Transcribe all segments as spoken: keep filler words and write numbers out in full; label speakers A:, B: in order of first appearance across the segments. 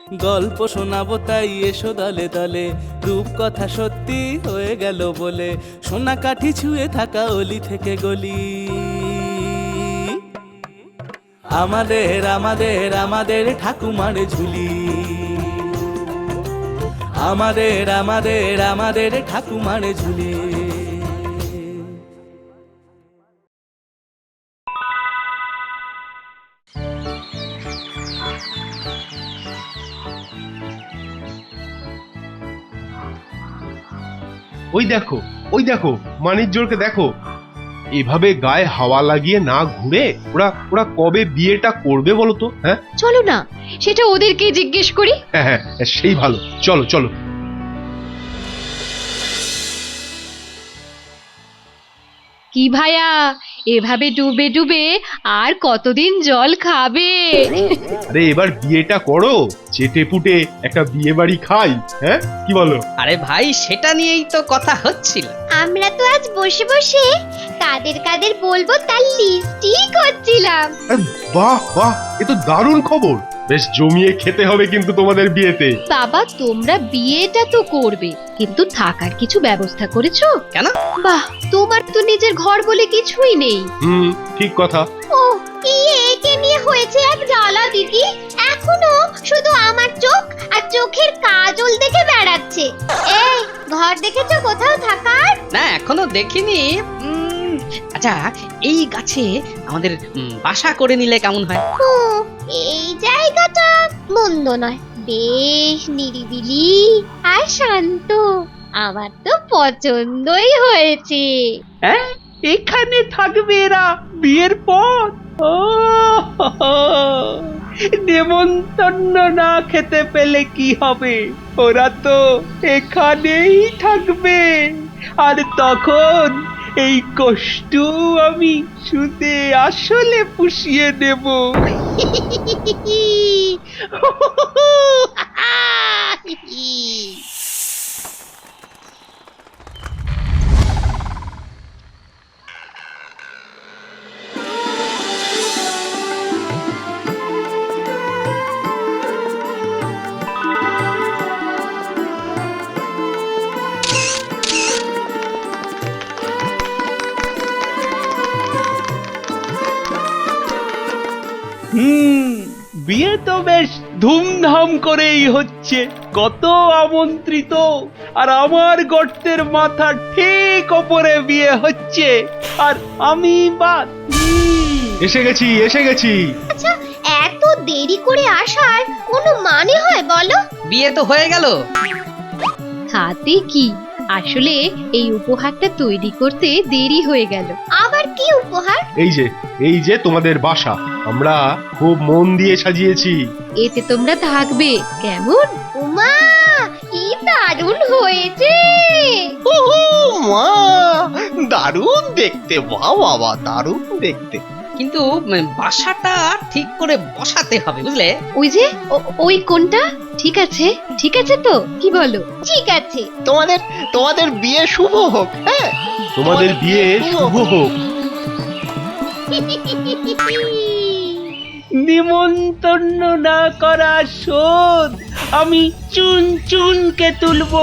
A: গল্প শোনাবো তাই এসো দলে দলে, রূপকথা সত্যি হয়ে গেল বলে, সোনা কাঠি ছুঁয়ে থাকা অলি থেকে গলি। আমাদের আমাদের আমাদের ঠাকুমার ঝুলি, আমাদের আমাদের আমাদের ঠাকুমার ঝুলি।
B: ওই দেখো ওই দেখো মানিকজোড়কে দেখো, এভাবে গায়ে হাওয়া লাগিয়ে না ঘুরে ওরা ওরা কবে বিয়েটা করবে বলো তো? হ্যাঁ
C: চলো না সেটা ওদেরকে জিজ্ঞেস করি।
B: হ্যাঁ হ্যাঁ সেই ভালো, চলো চলো।
C: কি ভাইয়া, এভাবে ডুবে ডুবে আর কতদিন জল খাবে?
B: আরে এবার বিয়েটা করো, চেটে পুটে একটা বিয়ে বাড়ি খাই। হ্যাঁ কি বলো?
D: আরে ভাই সেটা নিয়েই তো কথা হচ্ছিল।
E: আমরা তো আজ বসে বসে কাদের কাদের বলবো তার লিস্টই করছিলাম।
B: আরে বাহ বাহ, এ তো দারুণ খবর। বেশ জমিয়ে খেতে হবে কিন্তু তোমাদের বিয়েতে।
C: বাবা তোমরা বিয়েটা তো করবে, কিন্তু থাকার কিছু ব্যবস্থা করেছো?
D: কেন?
C: বাহ, তোমার তো নিজের ঘর বলে কিছুই নেই।
B: হুম ঠিক কথা।
E: ও কি একে নিয়ে হয়েছে এক জ্বালা দিদি, এখনো শুধু আমার চোখ আর চোখের কাজল দেখে বেড়াচ্ছে। এই ঘর দেখেছো কোথাও থাকার?
D: না এখনো দেখিনি। উম, আচ্ছা এই গাছে আমাদের উম, বাসা করে নিলে কেমন হয়?
E: ও এই জায়গাটা মন্দ নয়, বেশ নিরিবিলি আর শান্ত, আমার তো পছন্দই হয়েছে।
F: হ্যাঁ এখানে থাকবে এরা বিয়ের পর? ও নেমন্তন্ন না খেতে পেলে কি হবে, ওরা তো এখানেই থাকবে। আর তখন এই কষ্ট আমি শুধু আসলে পুষিয়ে নেব। হুম বিয়ে তো বেশ ধুমধাম করেই হচ্ছে, কত আমন্ত্রিত, আর আমার গর্তের মাথা ঠিক ওপরে বিয়ে হচ্ছে, আর আমি বাদ। হুম,
B: এসে গেছি এসে গেছি।
E: আচ্ছা এত দেরি করে আসার কোনো মানে হয় বলো?
D: বিয়ে তো হয়ে গেল।
C: হাতে কি, আসলে এই উপহারটা তৈরি করতে দেরি হয়ে গেল।
E: আবার কি উপহার?
B: এই যে এই যে তোমাদের বাসা, আমরা খুব মন দিয়ে সাজিয়েছি।
C: এতে তোমরা থাকবে কেমন?
E: উমা কি দারুণ হয়েছে।
F: মা দারুণ দেখতে, বাহ বাবা দারুণ দেখতে।
D: কিন্তু উম, বাসাটা ঠিক করে বসাতে হবে বুঝলে।
C: ওই যে ও- ওই কোনটা? ঠিক আছে ঠিক আছে তো, কি বলো?
E: ঠিক আছে,
F: তোমাদের তোমাদের বিয়ে শুভ হোক। হ্যাঁ
B: তোমাদের বিয়ে শুভ হোক।
F: নিমন্তন্ন না করা শোধ আমি চুন চুনকে তুলবো।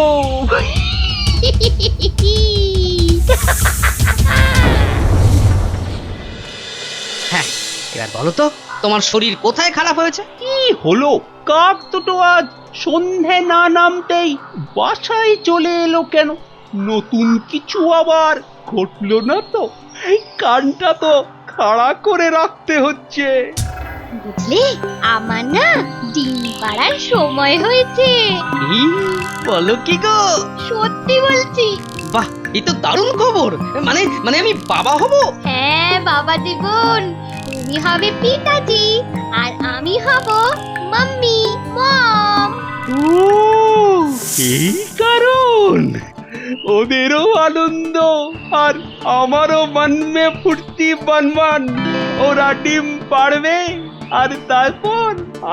D: হ্যাঁ এবার বলো তো তোমার শরীর কোথায় খারাপ হয়েছে?
F: কি হলো, কাক দুটো আজ সন্ধে না নামতেই বাসায় চলে এলো কেন? নতুন কিছু আবার ঘটলো না তো? এই কানটা তো খাড়া করে রাখতে হচ্ছে।
E: বুঝলে আমার না ডিম পাড়ার সময় হয়েছে।
D: এই, বলো কি গো?
E: সত্যি বলছি।
D: বাহ এই তো দারুণ খবর। মানে মানে আমি বাবা হব?
E: হ্যাঁ বাবা জীবন, তুমি হবে পিতাজি আর আমি হব মাম্মি, মম।
F: ও এই কারণ, ওদেরও আনন্দ আর আমারও মন মে ফুর্তি বানবান। ওরা ডিম পাড়বে আর তারপর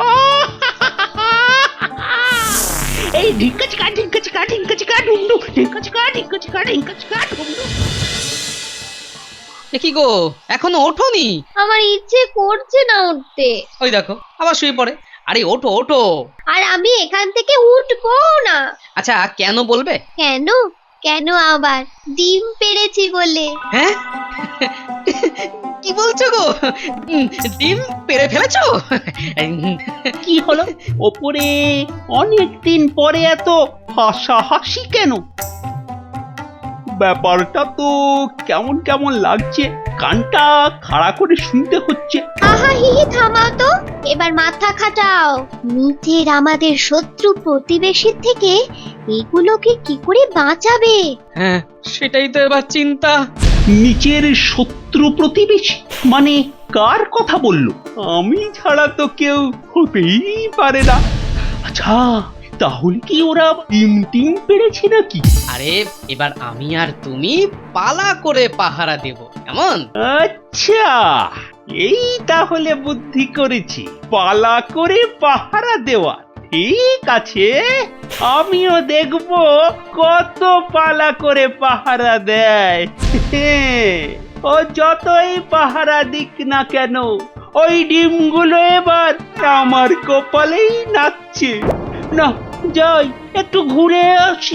F: এই ঢিঙ্কা চিকা ঢিঙ্কা চিকা ঢিঙ্কা চিকা ডুমডু ঢিঙ্কা চিকা ঢিঙ্কা চিকা ঢিঙ্কা চিকা ডুমডু।
D: এ কি গো এখনো ওঠোনি?
E: আমার ইচ্ছে করছে না উঠতে।
D: ওই দেখো আবার শুয়ে পড়ে। আরে ওঠো ওঠো।
E: আর আমি এখান থেকে উঠবো না।
D: আচ্ছা কেন বলবে?
E: কেন? কেন আবার? ডিম পেড়েছি বলে।
D: হ্যাঁ কি বলছো গো? উম, ডিম পেড়ে ফেলেছো?
F: কি হলো ওপরে অনেকদিন পরে এত হাসাহাসি কেন? ব্যাপারটা তো কেমন কেমন লাগছে, কানটা খাড়া করে শুনতে হচ্ছে।
E: আহা হি হি থামাও তো, এবার মাথা খাটাও। নিচের আমাদের শত্রু প্রতিবেশীর থেকে এগুলোকে কি করে বাঁচাবে?
D: হ্যাঁ সেটাই তো এবার চিন্তা।
F: নিচের শত্রু প্রতিবেশী মানে কার কথা বললো? আমি ছাড়া তো কেউ হতেই পারে না। আচ্ছা তাহলে কি ওরা টিম টিম পেরেছে নাকি?
D: আরে এবার আমি আর তুমি পালা করে পাহারা দেব, কেমন?
F: আচ্ছা এই তাহলে বুদ্ধি করেছি, পালা করে পাহারা দেওয়া। ঠিক আছে, আমিও দেখব কত পালা করে পাহারা দেয়। ও যতই পাহারা দিক না কেন, ওই ডিমগুলো এবার আমার কপালেই নাচছে। না যাই একটু ঘুরে আসি।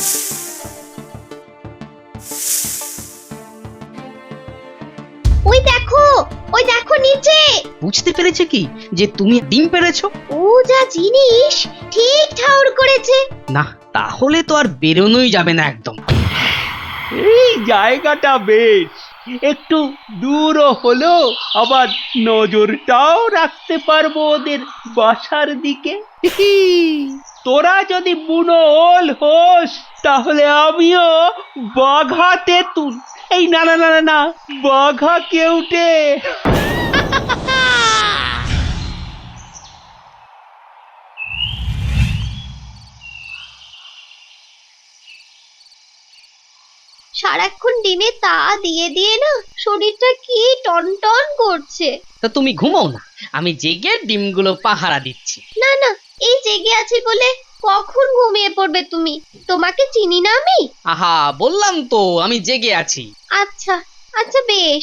E: ওই দেখো, ওই দেখো নিচে।
D: বুঝতে পেরেছে কি যে তুমি ডিম পেড়েছো?
E: ও যা জিনিস, ঠিক ঠাউর করেছে।
D: না তাহলে তো আর বেরোনোই যাবে না একদম।
F: এই জায়গাটা বেশ, একটু দূরও হলো, আবার নজরটাও রাখতে পারবো ওদের বাসার দিকে। তোরা যদি বুনো ওল হোস তাহলে আমিও বাঘা তেঁতুল, এই না না না না না বাঘা কেউটে।
E: সারাক্ষণ ডিমে তা দিয়ে দিয়ে না শরীরটা কি টনটন করছে।
D: তা তুমি ঘুমাও না, আমি জেগে ডিমগুলো পাহারা দিচ্ছি।
E: না না, এই জেগে আছি বলে কখন ঘুমিয়ে পড়বে তুমি? তোমাকে চিনি না আমি।
D: আহা বললাম তো আমি জেগে আছি।
E: আচ্ছা আচ্ছা বেশ।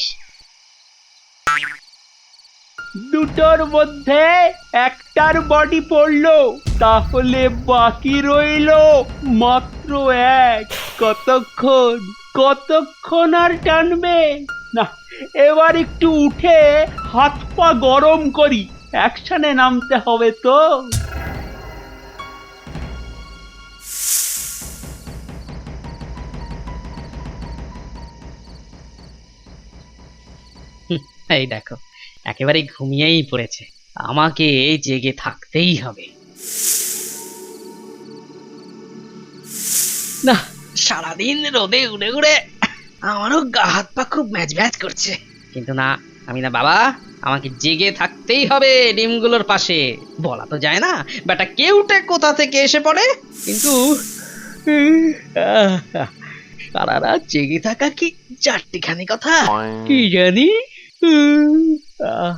F: দুটোর মধ্যে একটার বডি পড়লো, তাহলে বাকি রইলো মাত্র এক। কতক্ষণ কতক্ষণ আর টানবে? না এবার একটু উঠে হাত পা গরম করি, অ্যাকশনে নামতে হবে তো।
D: এই দেখো একেবারে ঘুমিয়েই পড়েছে, আমাকে জেগে থাকতেই হবে। না সারাদিন রোদে উড়ে উড়ে আমারও গা হাত পা খুব ম্যাচ ম্যাচ করছে, কিন্তু না আমি না বাবা, আমাকে জেগে থাকতেই হবে ডিমগুলোর পাশে। বলা তো যায় না বেটা কেউটে কোথা থেকে এসে পড়ে, কিন্তু সারা রাত জেগে থাকা কি চারটিখানি কথা, কি জানি। আহ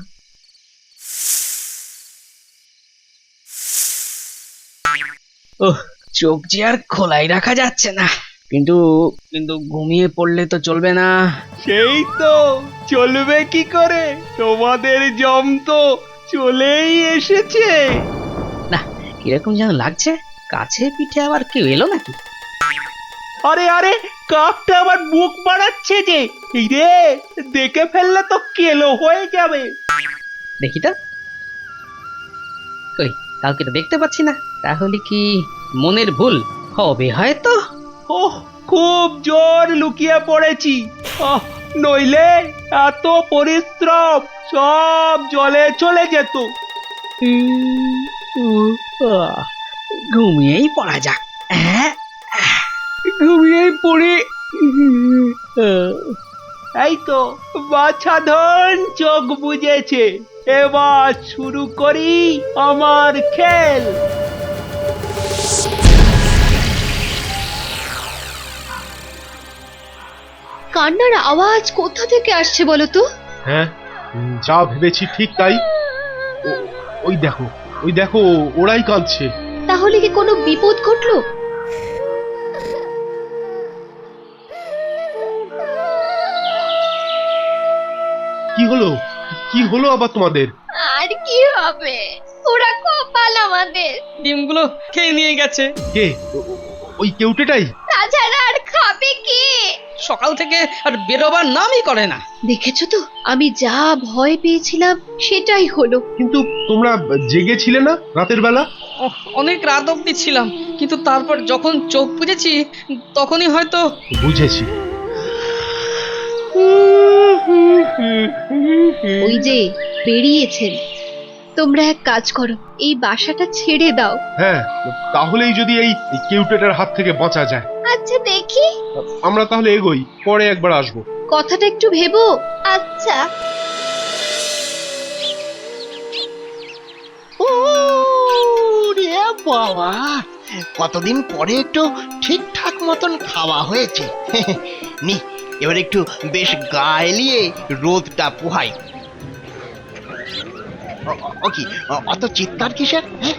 D: ওহ চোখ যে আর খোলাই রাখা যাচ্ছে না, কিন্তু কিন্তু ঘুমিয়ে পড়লে তো চলবে না।
F: সেই তো চলবে কি করে, তোমাদের জম তো চলেই এসেছে।
D: না কিরকম যেন লাগছে, কাছে পিঠে আবার কেউ এলো নাকি?
F: আরে আরে কাকটা আবার বুক বাড়াচ্ছে যে, এই রে দেখে ফেললে তো কেলো হয়ে যাবে।
D: দেখি তো, কই কাউকে তো দেখতে পাচ্ছি না, তাহলে কি মনের ভুল হবে হয়তো।
F: ওহ খুব জোর লুকিয়ে পড়েছি, আহ নইলে এত পরিশ্রম সব জলে চলে যেত।
D: উম, উম, আহ, ঘুমিয়েই পড়া যাক। হ্যাঁ
F: ঘুমিয়ে পড়ে এই তো বাছাধন চোখ বুজেছে, এবার শুরু করি আমার খেল।
C: কান্নার আওয়াজ কোথা থেকে আসছে বলো তো?
B: হ্যাঁ, উম, যা ভেবেছি ঠিক তাই। ও- ওই দেখো, ওই দেখো, ওরাই কাঁদছে।
C: তাহলে কি কোনো বিপদ ঘটলো?
B: কি হলো? কি হলো আবার তোমাদের?
E: আর কি হবে? ওরা কপাল আমাদের।
D: ডিমগুলো খেয়ে নিয়ে গেছে।
B: কে ও- ও- ওই কেউটেটাই?
E: তাছাড়া আর খাবে কে?
D: সকাল থেকে আর বেরোবার নামই করে না।
C: দেখেছো তো আমি যা ভয় পেয়েছিলাম সেটাই হলো।
B: কিন্তু তোমরা জেগেছিলে না রাতের বেলা?
D: ওহ, অনেক রাত অবধি ছিলাম, কিন্তু তারপর যখন চোখ বুজেছি তখনই হয়তো।
B: বুঝেছি।
C: ওই যে বেরিয়েছেন। তোমরা এক কাজ করো, এই বাসাটা ছেড়ে দাও।
B: হ্যাঁ, তাহলেই যদি এই কেউটেটার হাত থেকে বাঁচা যায়।
E: আচ্ছা দেখি।
B: আমরা তাহলে এগোই, পরে একবার আসবো।
C: কথাটা একটু ভেবো।
E: আচ্ছা।
G: ও রে বাবা, কতদিন পরে একটু ঠিকঠাক মতন খাওয়া হয়েছে। নি এবার একটু বেশ গা এলিয়ে রোদটা পোহাই। ও- ও- ও কি অ- অত চিৎকার কিসের? হ্যাঁ,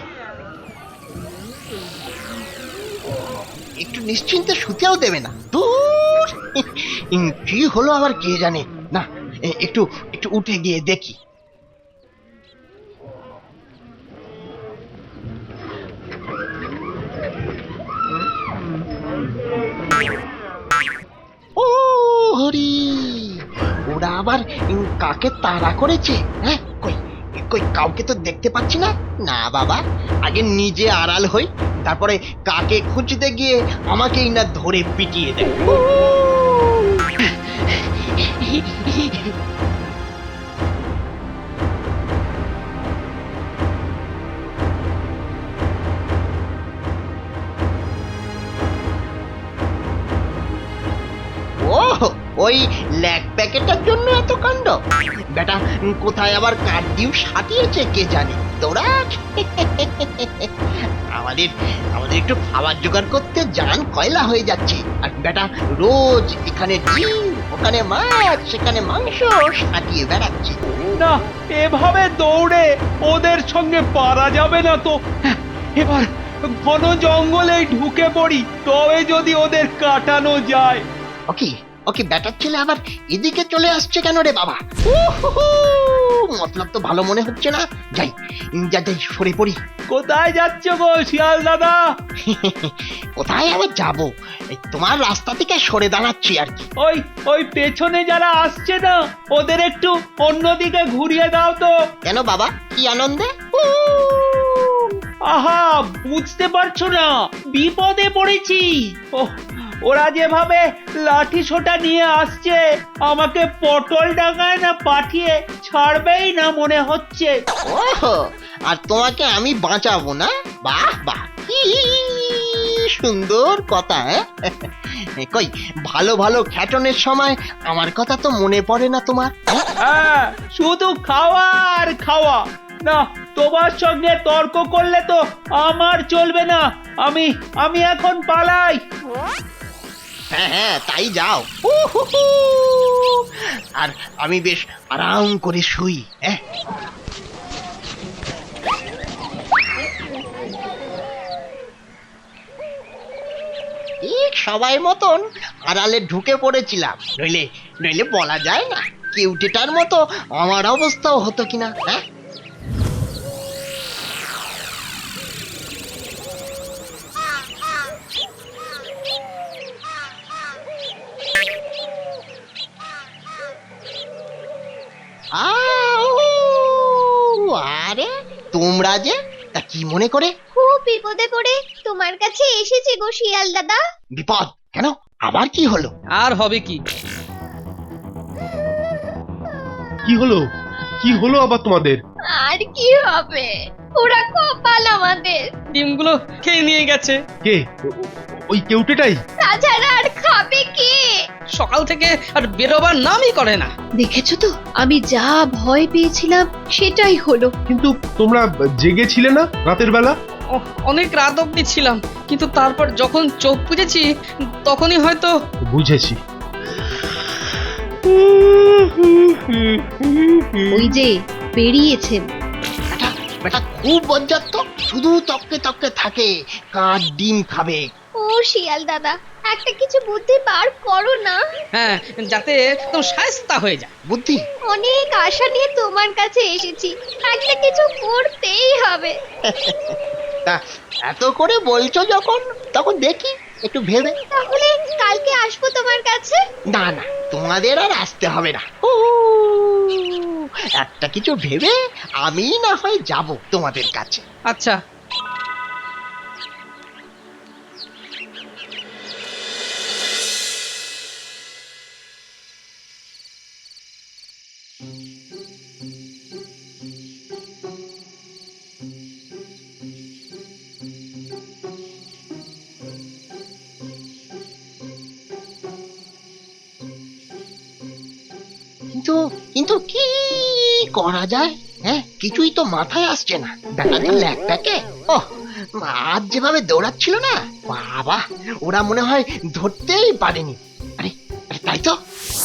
G: একটু নিশ্চিন্তে শুতেও দেবে না। দূর, কি হলো আবার কে জানে। না, এ- একটু একটু উঠে গিয়ে দেখি। ও হরি, ওরা আবার উম, কাকে তাড়া করেছে? হ্যাঁ, কই কই কাউকে তো দেখতে পাচ্ছি না। না বাবা, আগে নিজে আড়াল হই, তারপরে কাকে খুঁজতে গিয়ে আমাকেই না ধরে পিটিয়ে দেয়। ও, ওই ল্যাক প্যাকেটটার জন্য এত কাণ্ড? বেটা উম, কোথায় আবার কাঠ ডিম সাটিয়েছে কে জানে। তোরা আমাদের আমাদের একটু খাবার জোগাড় করতে জান কয়লা হয়ে যাচ্ছে, আর বেটা রোজ এখানে ডিম, ওখানে মাছ, সেখানে মাংস সাটিয়ে বেড়াচ্ছে।
F: না, এভাবে দৌড়ে ওদের সঙ্গে পারা যাবে না তো। হ্যাঁ, এবার ঘন জঙ্গলে ঢুকে পড়ি, তবে যদি ওদের কাটানো যায়।
G: ওকে ওকে, বেটার ছেলে আবার এদিকে চলে আসছে কেন রে বাবা? উহুহু, মতলব তো ভালো মনে হচ্ছে না। যাই যা যাই, সরে পড়ি।
F: কোথায় যাচ্ছ গো শিয়াল দাদা?
G: কোথায় আবার যাবো, এই তোমার রাস্তা থেকে সরে দাঁড়াচ্ছি আর কি।
F: ওই ওই পেছনে যারা আসছে না, ওদের একটু অন্যদিকে ঘুরিয়ে দাও তো।
G: কেন বাবা, কি আনন্দে? উ,
F: আহা, বুঝতে পারছো না, বিপদে পড়েছি। ও, ওরা যেভাবে লাঠি সোটা নিয়ে আসছে, আমাকে পটল ডাঙায় না পাঠিয়ে ছাড়বেই না মনে হচ্ছে।
G: ওহো, আর তোমাকে আমি বাঁচাবো না? বাহ বাহ, কি সুন্দর কথা। হ্যাঁ, কই ভালো ভালো খ্যাটনের সময় আমার কথা তো মনে পড়ে না তোমার? হ্যাঁ?
F: হ্যাঁ, শুধু খাওয়া আর খাওয়া। না, তোমার সঙ্গে তর্ক করলে তো আমার চলবে না। আমি আমি এখন পালাই।
G: হ্যাঁ হ্যাঁ, তাই যাও। উহুহু, আর আমি বেশ আরাম করে শুই। হ্যাঁ, ঠিক সবাই মতন আড়ালে ঢুকে পড়েছিলাম, নইলে নইলে বলা যায় না কেউটেটার মতো আমার অবস্থাও হতো কিনা। হ্যাঁ, আউ, আরে তোমরা যে, তা কি মনে করে?
E: খুব বিপদে পড়ে তোমার কাছে এসেছি গো শিয়াল দাদা।
G: বিপদ কেন? আবার কি হলো?
D: আর হবে কি?
B: কি হলো? কি হলো আবার তোমাদের?
E: আর কি হবে, ওরা কপাল আমাদের।
D: ডিমগুলো খেয়ে নিয়ে গেছে।
B: কে ও- ও- ওই কেউটেটাই?
E: তাছাড়া আর খাবে কে?
D: সকাল থেকে আর বেরোবার নামই করে না।
C: দেখেছো তো আমি যা ভয় পেয়েছিলাম সেটাই হলো।
B: কিন্তু তোমরা জেগেছিলে না রাতের বেলা?
D: ওহ, অনেক রাত অবধি ছিলাম, কিন্তু তারপর যখন চোখ বুজেছি তখনই হয়তো।
B: বুঝেছি।
C: ওই যে বেরিয়েছেন।
G: বেটা বেটা খুব বজ্জাত তো, শুধু তককে তককে থাকে, কাঠ ডিম খাবে।
E: ও শিয়াল দাদা, একটা কিছু বুদ্ধি বার করো না।
D: হ্যাঁ, যাতে একদম শায়েস্তা হয়ে যায়।
G: বুদ্ধি?
E: অনেক আশা নিয়ে তোমার কাছে এসেছি, একটা কিছু করতেই হবে।
G: তা এত করে বলছো যখন, তখন দেখি একটু ভেবে।
E: তাহলে কালকে আসবো তোমার কাছে।
G: না না, তোমাদের আর আসতে হবে না। ও, একটা কিছু ভেবে আমি না হয় যাব তোমাদের কাছে।
D: আচ্ছা,
G: কিন্তু কিন্তু কি করা যায়? হ্যাঁ, কিছুই তো মাথায় আসছে না। বেটাদের ল্যাক প্যাকে, ও আজ যেভাবে দৌড়াচ্ছিল না, বাবা, ওরা মনে হয় ধরতেই পারেনি। আরে আরে তাই তো।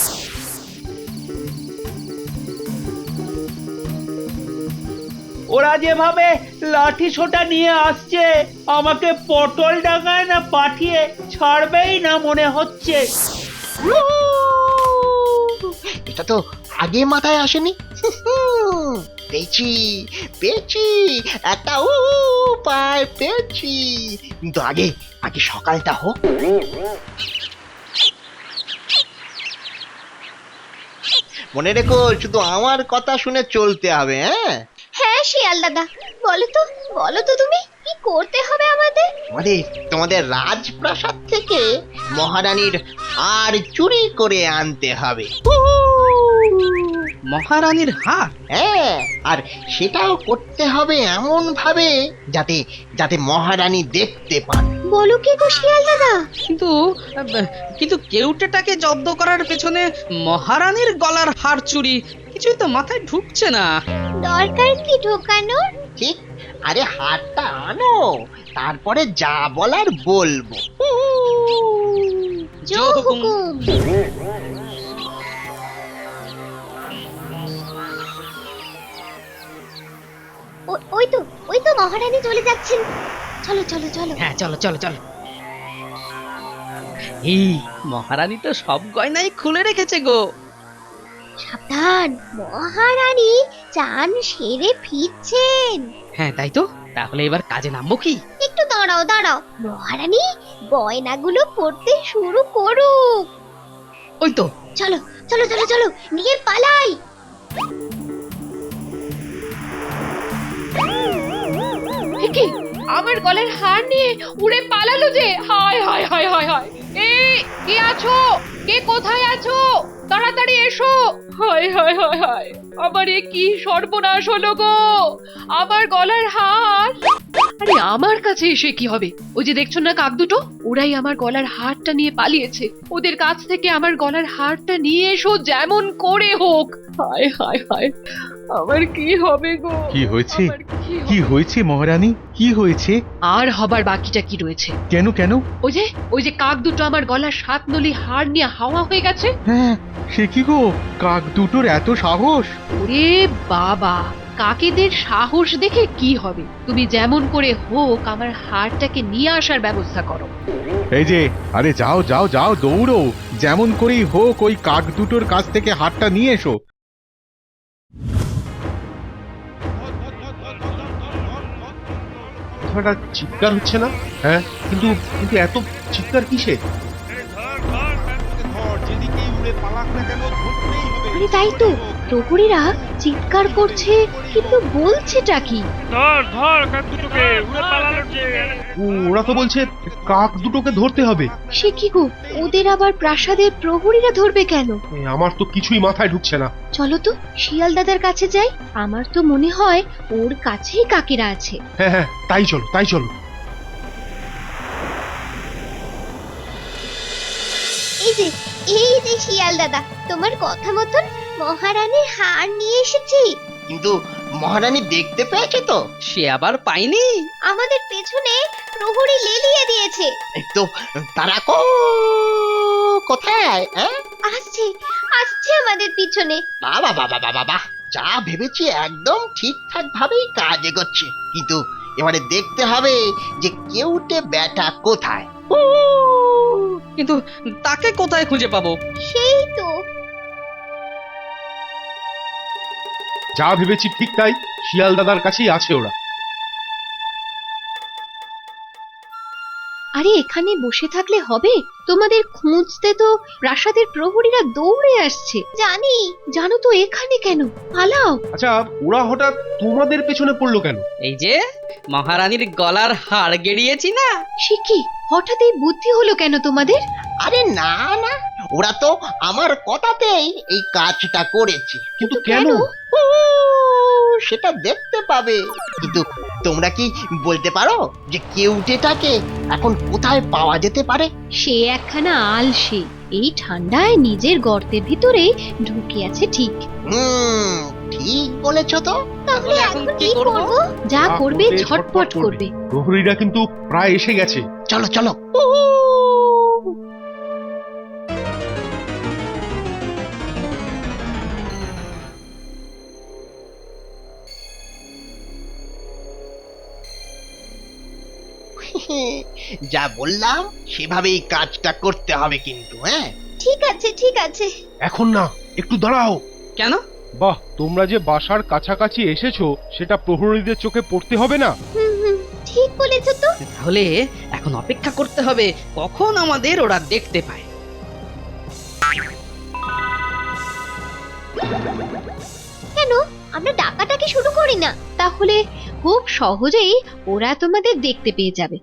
F: ওরা যেভাবে লাঠি সোটা নিয়ে আসছে, আমাকে পটল ডাঙায় না পাঠিয়ে ছাড়বেই না মনে হচ্ছে।
G: এটা তো আগে মাথায় আসেনি। পেয়েছি পেয়েছি, একটা উপায় পেয়েছি। কিন্তু আগে আগে সকালটা হোক। মনে রেখো, শুধু আমার কথা শুনে চলতে হবে। হ্যাঁ
E: হ্যাঁ শিয়াল দাদা, বলো তো বলো তো তুমি কি করতে হবে আমাদের?
G: আমাদের তোমাদের রাজপ্রাসাদ থেকে মহারানীর হার চুরি করে আনতে হবে।
D: মহারানীর হার?
G: হ্যাঁ, আর সেটাও করতে হবে এমন ভাবে যাতে যাতে মহারানী দেখতে পান।
E: বলো কি গো শিয়াল দাদা?
D: কিন্তু আহ, কিন্তু কেউটেটাকে জব্দ করার পেছনে মহারানীর গলার হার চুরি কিছুই তো মাথায় ঢুকছে না।
E: দরকার কি ঢোকানোর?
G: ঠিক, আরে হারটা আনো, তারপরে যা বলার বলবো।
D: জো হুকুম।
E: ও- ওই তো ওই তো মহারানী চলে যাচ্ছেন। চলো চলো চলো।
D: হ্যাঁ, চলো চলো চলো। এই মহারানী তো সব গয়নাই খুলে রেখেছে গো।
E: সাবধান, মহারানী চান সেরে ফিরছেন।
D: হ্যাঁ, তাই তো। তাহলে এবার কাজে নামবো কি?
E: একটু দাঁড়াও দাঁড়াও, মহারানী গয়নাগুলো পড়তে শুরু করুক।
D: ওই তো।
E: চলো চলো চলো চলো, নিয়ে পালাই।
C: কি আমার গলার হার নিয়ে উড়ে পালালো যে! হায় হায় হায় হায় হায়! এই কে আছো? কে কোথায় আছো? তাড়াতাড়ি এসো! হায় হায় হায় হায়! আমার এ কি সর্বনাশ হলো গো! আমার গলার হার! আরে আমার কাছে এসে কি হবে? ওই যে দেখছো না কাক দুটো, ওরাই আমার গলার হারটা নিয়ে পালিয়েছে। ওদের কাছ থেকে আমার গলার হারটা নিয়ে এসো যেমন করে হোক। হায় হায় হায়! আমার কি হবে গো?
H: কি হয়েছে?
C: আমার কি
H: কি
C: হবে?
H: হয়েছে মহারানী? কি হয়েছে?
C: আর হবার বাকিটা কি রয়েছে?
H: কেন কেন?
C: ওই যে ওই যে কাক দুটো আমার গলার সাত নলি হার নিয়ে হাওয়া হয়ে গেছে।
H: হ্যাঁ, সে কি গো? কাক দুটোর এত সাহস?
C: ওরে বাবা, কাকেদের সাহস দেখে কি হবে? তুমি যেমন করে হোক আমার হারটাকে নিয়ে আসার ব্যবস্থা করো।
H: এই যে, আরে যাও যাও যাও, দৌড়ো! যেমন করেই হোক ওই কাক দুটোর কাছ থেকে হাতটা নিয়ে এসো।
B: কথাটা চিৎকার হচ্ছে না? হ্যাঁ, কিন্তু কিন্তু এত চিৎকার কিসে?
C: আরে তাই তো, প্রহরীরা চিৎকার করছে, কিন্তু বলছেটা কি?
B: ও, ওরা তো বলছে কাক দুটোকে ধরতে হবে।
C: সে কি গো, ওদের আবার প্রাসাদের প্রহরীরা ধরবে কেন?
B: এ, আমার তো কিছুই মাথায় ঢুকছে না।
C: চলো তো শিয়াল দাদার কাছে যাই। আমার তো মনে হয় ওর কাছেই কাকেরা আছে।
B: হ্যাঁ হ্যাঁ, তাই চলো তাই চলো।
E: এই যে এই যে শিয়াল দাদা, তোমার কথা মতন মহারানীর হার নিয়ে এসেছি।
G: কিন্তু মহারানী দেখতে পেয়েছে তো?
D: সে আবার পাইনি।
E: আমাদের পেছনে প্রহরী লেলিয়ে দিয়েছে।
G: এই তো, তারা কো কোথায়? হ্যাঁ,
E: আসছে আসছে আমাদের পিছনে।
G: বাবা বাবা বাবা বাবা, যা ভেবেছি একদম ঠিকঠাক ভাবেই কাজ এগোচ্ছে। কিন্তু এবারে দেখতে হবে যে কেউটে ব্যাটা কোথায়। উ,
D: কিন্তু তাকে কোথায় খুঁজে পাবো?
E: সেই তো।
B: যা ভেবেছি ঠিক তাই, শিয়াল দাদার কাছেই আছে ওরা।
C: আরে এখানে বসে থাকলে হবে? তোমাদের খুঁজতে তো প্রাসাদের প্রহরীরা দৌড়ে আসছে।
E: জানি।
C: জানো তো এখানে কেন? পালাও।
B: আচ্ছা, ওরা হঠাৎ তোমাদের পেছনে পড়লো কেন?
D: এই যে মহারানীর গলার হাড় গেড়িয়েছি না।
C: সে কি, হঠাৎ এই বুদ্ধি হলো কেন তোমাদের?
G: আরে না না, ওরা তো আমার কথাতেই এই কাজটা করেছে।
B: কিন্তু কেন?
G: ও, সেটা দেখতে পাবে। কিন্তু তোমরা কি বলতে পারো যে কেউটেটাকে এখন কোথায় পাওয়া যেতে পারে?
C: সে একখানা আলসে, এই ঠান্ডায় নিজের গর্তের ভিতরে ঢুকে আছে ঠিক।
G: হুম, ঠিক বলেছো তো।
E: তাহলে এখন কি করব?
C: যা
B: যা
C: করবে
B: করবে
C: ঝটপট
B: ঝটপট করবে।
C: করবে।
B: প্রহরীরা কিন্তু প্রায় এসে গেছে।
G: চলো চলো। যা বললাম সেভাবেই কাজটা করতে হবে কিন্তু, হ্যাঁ?
E: ঠিক আছে ঠিক আছে।
B: এখন না, একটু দাঁড়াও।
D: কেন?
B: বাহ, তোমরা যে বাসার কাছাকাছি এসেছো সেটা প্রহরীদের চোখে পড়তে হবে না?
E: হুম হুম, ঠিক বলেছো তো।
D: তাহলে এখন অপেক্ষা করতে হবে কখন আমাদের ওরা দেখতে পায়।
E: কেন আমরা ডাকাটাকি শুরু করি না?
C: তাহলে খুব সহজেই ওরা তোমাদের দেখতে পেয়ে যাবে।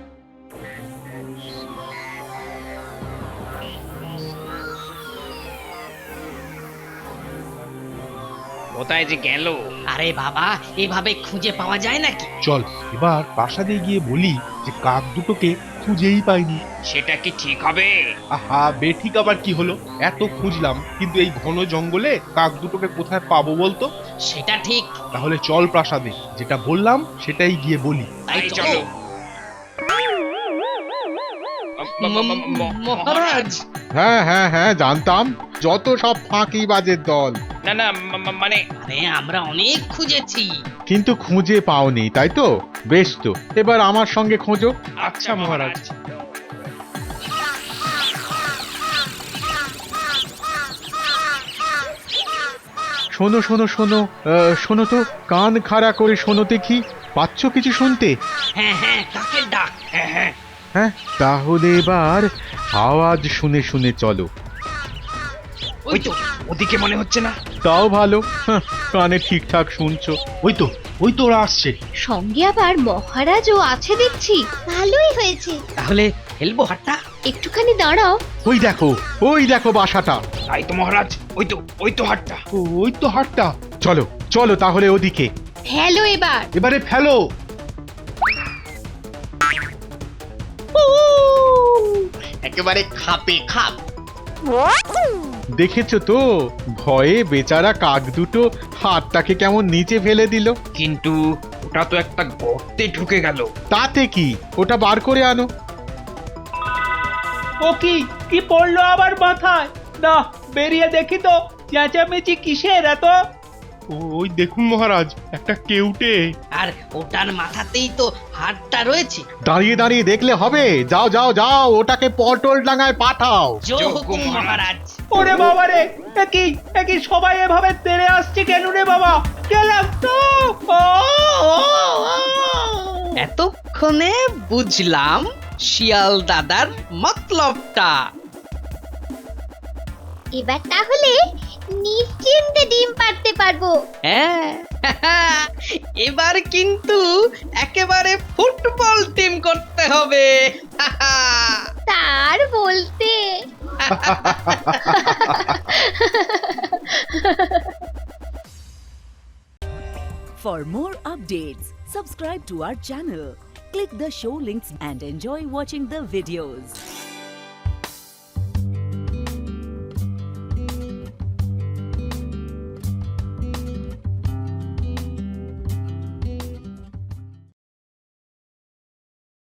I: কোথায় যে গেল?
D: আরে বাবা, এভাবে খুঁজে পাওয়া যায় নাকি?
B: চল এবার প্রাসাদে গিয়ে বলি যে কাক দুটোকে খুঁজেই পাইনি।
I: সেটা কি ঠিক হবে?
B: আহা, বেঠিক আবার কি হলো? এত খুঁজলাম, কিন্তু এই ঘন জঙ্গলে কাক দুটোকে কোথায় পাবো বলতো?
D: সেটা ঠিক।
B: তাহলে চল প্রাসাদে, যেটা বললাম সেটাই গিয়ে বলি।
D: তাই
I: তাই
D: চলো।
I: চলো।
D: ম- ম- মহারাজ,
H: হ্যাঁ হ্যাঁ হ্যাঁ, জানতাম যত সব ফাঁকি বাজের দল।
I: না না, মা- মা- মানে
D: আরে আমরা অনেক খুঁজেছি।
H: কিন্তু খুঁজে পাওনি, তাই তো? বেশ তো, এবার আমার সঙ্গে খোঁজো।
B: আচ্ছা মহারাজ।
H: শোনো শোনো শোনো, আহ, শোনো তো, কান খাড়া করে শোনো দেখি, পাচ্ছ কিছু শুনতে?
D: হ্যাঁ হ্যাঁ, কাকের ডাক।
I: হ্যাঁ হ্যাঁ,
H: হ্যাঁ, তাহলে এবার আওয়াজ শুনে শুনে চলো।
I: ওই তো ওদিকে মনে হচ্ছে না?
H: তাও ভালো, হাহ, কানে ঠিকঠাক শুনছো।
B: ওই তো, ওই তো ওরা আসছে।
C: সঙ্গে আবার মহারাজও আছে দেখছি।
E: ভালোই হয়েছে।
D: তাহলে ফেলবো হাটটা?
C: একটুখানি দাঁড়াও।
H: ওই দেখো, ওই দেখো বাসাটা।
I: তাই তো মহারাজ, ওই তো ওই তো হাটটা।
B: ও- ওই তো হাটটা।
H: চলো চলো তাহলে ওদিকে।
C: ফেলো এবার।
B: এবারে ফেলো।
G: একেবারে খাপে খাপ।
H: দেখেছো তো, ভয়ে বেচারা কাক দুটো হাতটাকে কেমন নিচে ফেলে দিল।
I: কিন্তু ওটা তো একটা গর্তে ঢুকে গেল।
H: তাতে কি, ওটা বার করে আনো।
F: ও কি কি পড়লো আবার মাথায়? না, বেরিয়ে দেখি তো চেঁচামেচি কিসের এত?
B: ও- ওই দেখুন মহারাজ, একটা কেউটে।
D: আর ওটার মাথাতেই তো হাটটা রয়েছে।
H: দাঁড়িয়ে দাঁড়িয়ে দেখলে হবে, যাও যাও যাও, ওটাকে পটল ডাঙায় পাঠাও।
D: জো
I: জো
D: হুকুম
I: হুকুম
D: মহারাজ।
F: ওরে বাবা রে, একই একই সবাই এভাবে তেড়ে আসছে কেন রে বাবা? গেলাম তো। ও, ও, ও।
D: এতক্ষণে বুঝলাম শিয়াল দাদার মতলবটা।
E: এবার তাহলে নিশ্চিন্তে ডিম পাড়তে পারবো।
D: হ্যাঁ, এবার কিন্তু একেবারে ফুটবল টিম করতে হবে।
E: তার বলতে।
J: For more updates, subscribe to our channel, click the show links and enjoy watching the videos.